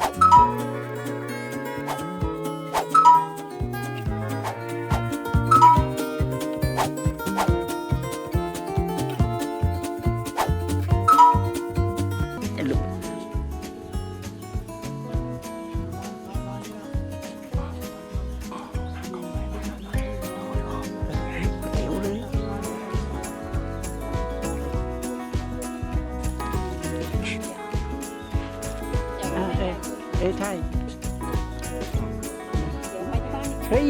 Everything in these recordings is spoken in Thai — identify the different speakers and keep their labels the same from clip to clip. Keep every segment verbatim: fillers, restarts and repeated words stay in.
Speaker 1: เอ้ใช่เฮ้ย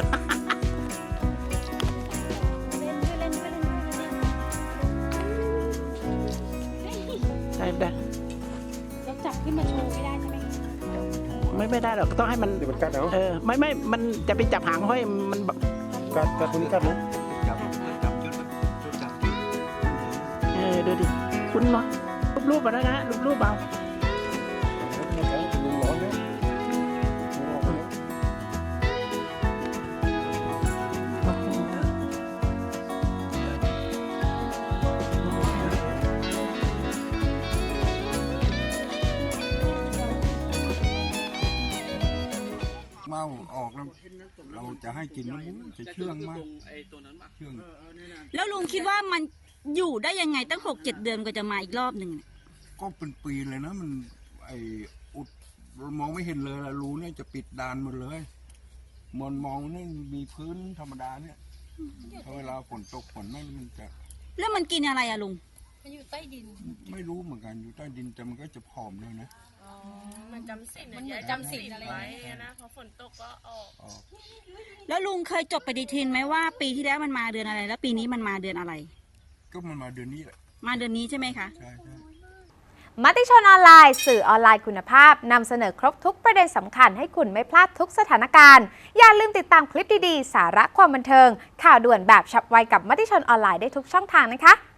Speaker 1: ใช่ได้
Speaker 2: เราจับขึ้นมาโชว์ไม่ได้ใช่ไหม
Speaker 1: ไม่ไม่ได้หรอกต้องให้มัน
Speaker 3: เดี๋ยวมันกัดเอา
Speaker 1: เออไม่ไม่มันจะไปจับหางห้อยมัน
Speaker 3: กัดกัดตรงนี้กัดนะ
Speaker 1: เออดูดิคุณเนาะรูปๆมาแล้วนะรูปๆเอา
Speaker 4: เมาออกแล้วเราจะให้กินน้ำมันจะเชื่องมากเชื่อง
Speaker 2: แล้วลุงคิดว่ามันอยู่ได้ยังไงตั้งหกเจ็ดเดือนก็จะมาอีกรอบหนึ่ง
Speaker 4: ก็เป็นปีเลยนะมันไออุดมองไม่เห็นเลยละรูเนี่ยจะปิดดานหมดเลยมันมองนี่มีพื้นธรรมดาเนี่ยพอเวลาฝนตกฝนนั่นมันจะ
Speaker 2: แล้วมันกินอะไรอะลุง
Speaker 5: มันอยู่ใต้ดิน
Speaker 4: ไม่รู้เหมือนกันอยู่ใต้ดินแต่มันก็จะผอมเลยนะ
Speaker 5: มันจำศีลมันเหมือนจำศีลอะไรไว้นะพอฝนตกก็ออก
Speaker 2: แล้วลุงเคยจดปฏิทินไหมว่าปีที่แล้วมันมาเดือนอะไรแล้วปีนี้มันมาเดือนอะไร
Speaker 4: ก็มันมาเดือนนี้แหละ
Speaker 2: มาเดือนนี้ใช่ไหมคะ
Speaker 4: ใช่ใช่
Speaker 6: มติชนออนไลน์สื่อออนไลน์คุณภาพนำเสนอครบทุกประเด็นสำคัญให้คุณไม่พลาดทุกสถานการณ์อย่าลืมติดตามคลิปดีๆสาระความบันเทิงข่าวด่วนแบบฉับไวกับมติชนออนไลน์ได้ทุกช่องทางนะคะ